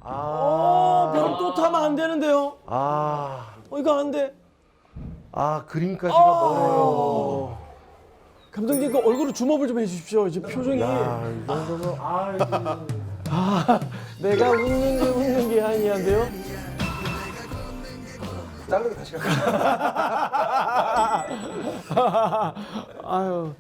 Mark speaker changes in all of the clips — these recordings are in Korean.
Speaker 1: 벽 또 타면 안 되는데요. 이거 안 돼.
Speaker 2: 그림까지가 멀어요.
Speaker 1: 감독님 그 얼굴을 줌업을 좀 해주십시오. 지금 표정이.
Speaker 2: 이 정도면
Speaker 1: 내가 웃는 게 아니한데요.
Speaker 2: 자르게 다시 갈게요.
Speaker 1: 아유.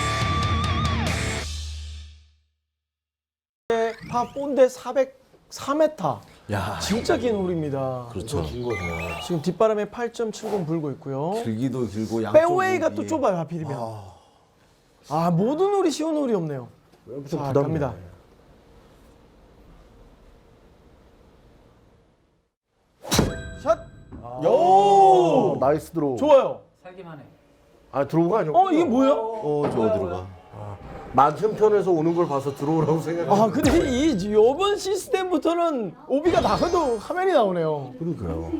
Speaker 1: 파4인데 404m.
Speaker 3: 야,
Speaker 1: 진짜 긴 홀입니다.
Speaker 3: 그렇죠.
Speaker 2: 긴 거네요.
Speaker 1: 지금 뒷바람에 8.70 불고 있고요.
Speaker 3: 길기도 길고 양쪽
Speaker 1: 페어웨이가 또 좁아요, 하필이면. 모든 홀이 쉬운 홀이 없네요.
Speaker 2: 여기서
Speaker 1: 자,
Speaker 2: 부담
Speaker 1: 갑니다. 샷! 요!
Speaker 2: 나이스 드로우.
Speaker 1: 좋아요.
Speaker 4: 살기만 해.
Speaker 2: 드로우가 아니고.
Speaker 1: 이게 뭐야?
Speaker 3: 저거 들어가.
Speaker 2: 맞은편에서 오는 걸 봐서 들어오라고 생각했는데.
Speaker 1: 근데 이번 시스템부터는 오비가 나가도 화면이 나오네요.
Speaker 2: 그러니까요.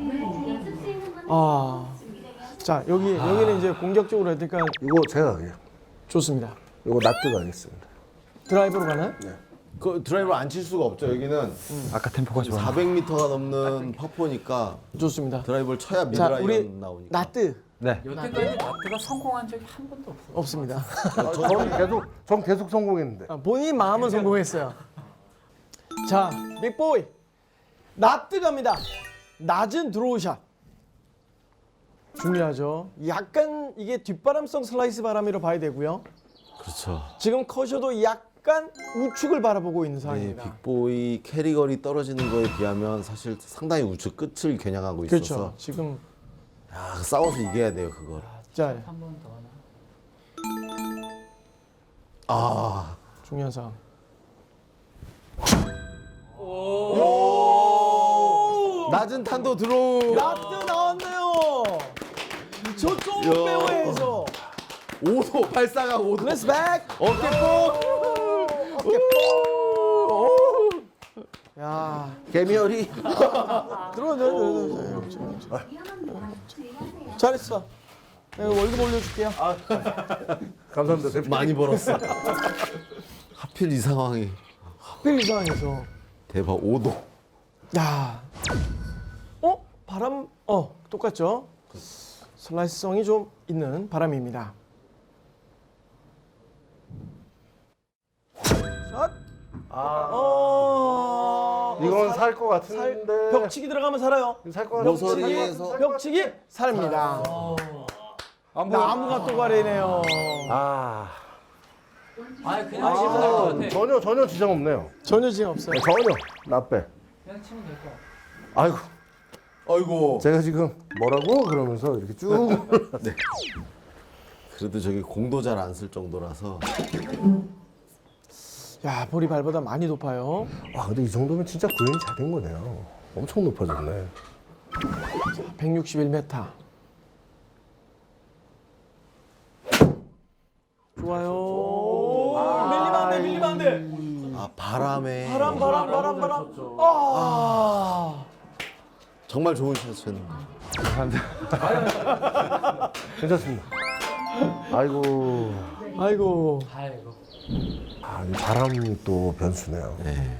Speaker 1: 자, 여기는 이제 공격적으로 해야 되니까
Speaker 2: 이거 제가 가게요.
Speaker 1: 좋습니다.
Speaker 2: 이거 놔뜨 가겠습니다.
Speaker 1: 드라이브로 가나요?
Speaker 3: 그 드라이버 안 칠 수가 없죠. 여기는
Speaker 5: 아까 템포가 좋아.
Speaker 3: 400m가 넘는 파포니까
Speaker 1: 좋습니다.
Speaker 3: 드라이버를 쳐야
Speaker 1: 자,
Speaker 3: 미드라이언
Speaker 1: 우리
Speaker 3: 나오니까.
Speaker 1: 나뜨
Speaker 5: 네.
Speaker 4: 여태까지 나트가 성공한 적이 한 번도 없어.
Speaker 1: 없습니다.
Speaker 2: 전 계속 성공했는데.
Speaker 1: 본인 마음은 성공했어요. 자, 빅보이. 나뜨 갑니다. 낮은 드로우샷. 중요하죠. 약간 이게 뒷바람성 슬라이스 바람이라 봐야 되고요.
Speaker 3: 그렇죠.
Speaker 1: 지금 커셔도 약간 우측을 바라보고 있는
Speaker 3: 네,
Speaker 1: 상황입니다.
Speaker 3: 빅보이 캐리거리 떨어지는 거에 비하면 사실 상당히 우측 끝을 겨냥하고 있어서
Speaker 1: 그렇죠. 지금
Speaker 3: 싸워서 이겨야 돼요 그걸.
Speaker 1: 자,
Speaker 4: 한 번 더 하나.
Speaker 1: 중요한 상황.
Speaker 3: 낮은 탄도 드로우.
Speaker 1: 나뜨 나왔네요. 저쪽 페어웨이에서
Speaker 3: 5도 발사가 5도.
Speaker 1: 레츠 백.
Speaker 3: 어깨뽕.
Speaker 1: 야,
Speaker 2: 개미열이.
Speaker 1: 들어. 잘했어. 내가 월급 올려줄게요.
Speaker 2: 감사합니다. 대표님.
Speaker 3: 많이 벌었어. 하필 이 상황이
Speaker 1: 하필 이 상황에서.
Speaker 3: 대박 5도.
Speaker 1: 야, 바람, 똑같죠? 슬라이스성이 좀 있는 바람입니다. 샷.
Speaker 2: 이건 살 것 같은데.
Speaker 1: 벽치기 들어가면 살아요.
Speaker 2: 살것 같은데.
Speaker 3: 모서리에서
Speaker 1: 벽치기 살입니다. 나무가 또 가리네요.
Speaker 4: 아니 그냥 치면 될 것 같아.
Speaker 2: 전혀 지장 없네요.
Speaker 1: 전혀 지금 없어요.
Speaker 2: 전혀. 나빼.
Speaker 4: 그냥 치면 될 것 같아.
Speaker 2: 아이고.
Speaker 3: 아이고.
Speaker 2: 제가 지금 뭐라고 그러면서 이렇게 쭉.
Speaker 3: 네. 그래도 저기 공도 잘 안 쓸 정도라서.
Speaker 1: 야, 볼이 발보다 많이 높아요.
Speaker 2: 근데 이 정도면 진짜 구현이 잘 된 거네요. 엄청 높아졌네.
Speaker 1: 161m. 좋아요. 밀리면 안 돼.
Speaker 3: 바람에.
Speaker 1: 바람.
Speaker 3: 정말 좋은 샷이었는데.
Speaker 2: 괜찮습니다. 아이고.
Speaker 1: 아이고.
Speaker 2: 이 바람이 또 변수네요.
Speaker 3: 네.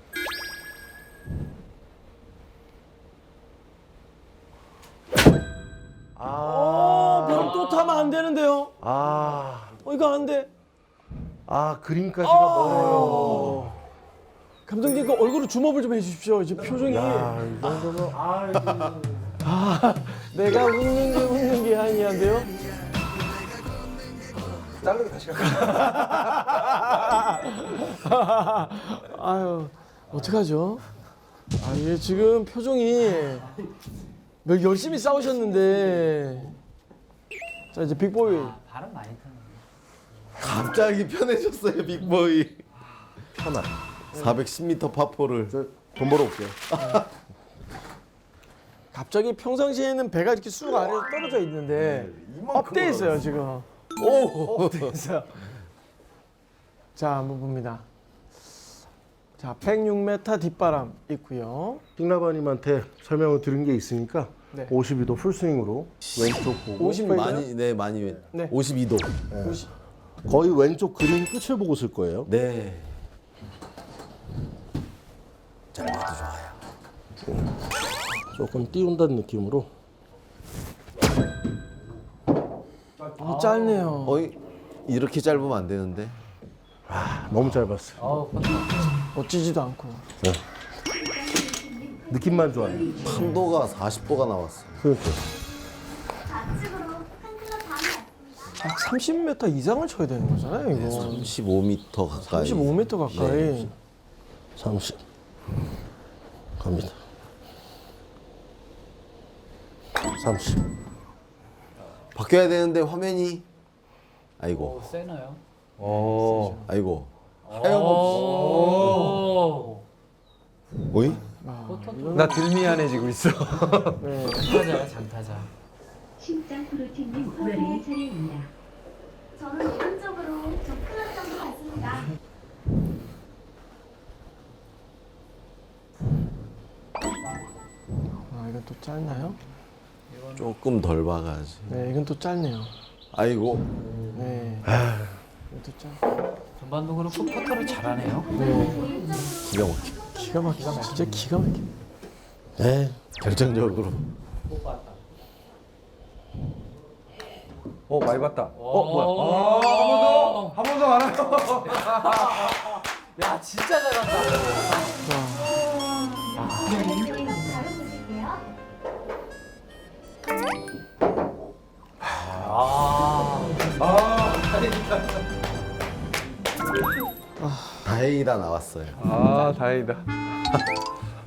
Speaker 1: 벽 또 타면 안 되는데요. 이거 안 돼.
Speaker 2: 그림까지가 멀어요.
Speaker 1: 감독님 그 얼굴을 줌업을 좀 해주십시오. 지금 표정이.
Speaker 2: 이 정도면
Speaker 1: 내가 웃는 게 아니한데요.
Speaker 2: 자르게 다시 갈게요.
Speaker 1: 아유, 어떡하죠? 이게 지금 표정이 열심히 싸우셨는데. 자, 이제 빅보이.
Speaker 4: 바람 많이 타는.
Speaker 3: 갑자기 편해졌어요 빅보이.
Speaker 2: 편안.
Speaker 3: 410m 파포를.
Speaker 2: 돈 벌어 올게요.
Speaker 1: 갑자기 평상시에는 배가 이렇게 쑥 아래로 떨어져 있는데 업돼 있어요 지금. 업돼 있어요. 자, 한번 봅니다. 자, 106m 뒷바람 있고요.
Speaker 2: 빅라바님한테 설명을 들은 게 있으니까
Speaker 1: 네.
Speaker 2: 52도 풀스윙으로 왼쪽 보고
Speaker 1: 50 m.
Speaker 3: 많이
Speaker 1: 네.
Speaker 3: 52도.
Speaker 2: 거의 왼쪽 그린 끝을 보고 쓸 거예요.
Speaker 3: 네. 짧아도 좋아요.
Speaker 2: 조금 띄운다는 느낌으로.
Speaker 1: 너무 짧네요.
Speaker 3: 어이 이렇게 짧으면 안 되는데.
Speaker 2: 너무 짧았어.
Speaker 4: 어우, 컨트롤.
Speaker 1: 멋지지도 않고.
Speaker 2: 느낌만 좋아요.
Speaker 3: 판도가 40도가 나왔어.
Speaker 2: 그렇죠.
Speaker 5: 좌측으로 한 클럽 반이 왔습니다.
Speaker 1: 약 30m 이상을 쳐야 되는 거잖아요, 이거.
Speaker 3: 35m 가까이.
Speaker 1: 35m 가까이.
Speaker 3: 네.
Speaker 2: 30. 갑니다. 30.
Speaker 3: 바뀌어야 되는데 화면이. 아이고.
Speaker 4: 오, 세나요?
Speaker 3: 아이고.
Speaker 4: 오.
Speaker 3: 어이?
Speaker 6: 나 들미안해지고 있어.
Speaker 1: 네.
Speaker 4: 장타자야, 장타자.
Speaker 5: 심장 프로틴님 노래의 차례입니다. 저는 오른쪽으로 두 클럽 정도 갔습니다.
Speaker 1: 아, 이건 또 짧나요?
Speaker 3: 조금 덜 박아야지.
Speaker 1: 네, 이건 또 짧네요.
Speaker 3: 아이고.
Speaker 1: 네. 이건 또 짧.
Speaker 4: 전반도 그렇고 퍼터를 잘하네요.
Speaker 1: 네.
Speaker 3: 기가 막혀.
Speaker 1: 기가 막히다. 진짜 기가 막혀.
Speaker 3: 네. 결정적으로.
Speaker 6: 많이 봤다.
Speaker 4: 뭐야?
Speaker 6: 한 번 더 알아요.
Speaker 4: 야, 진짜 잘한다.
Speaker 5: 왼쪽에서 바로 보실게요.
Speaker 3: 다행이다 나왔어요.
Speaker 6: 아, 다행이다.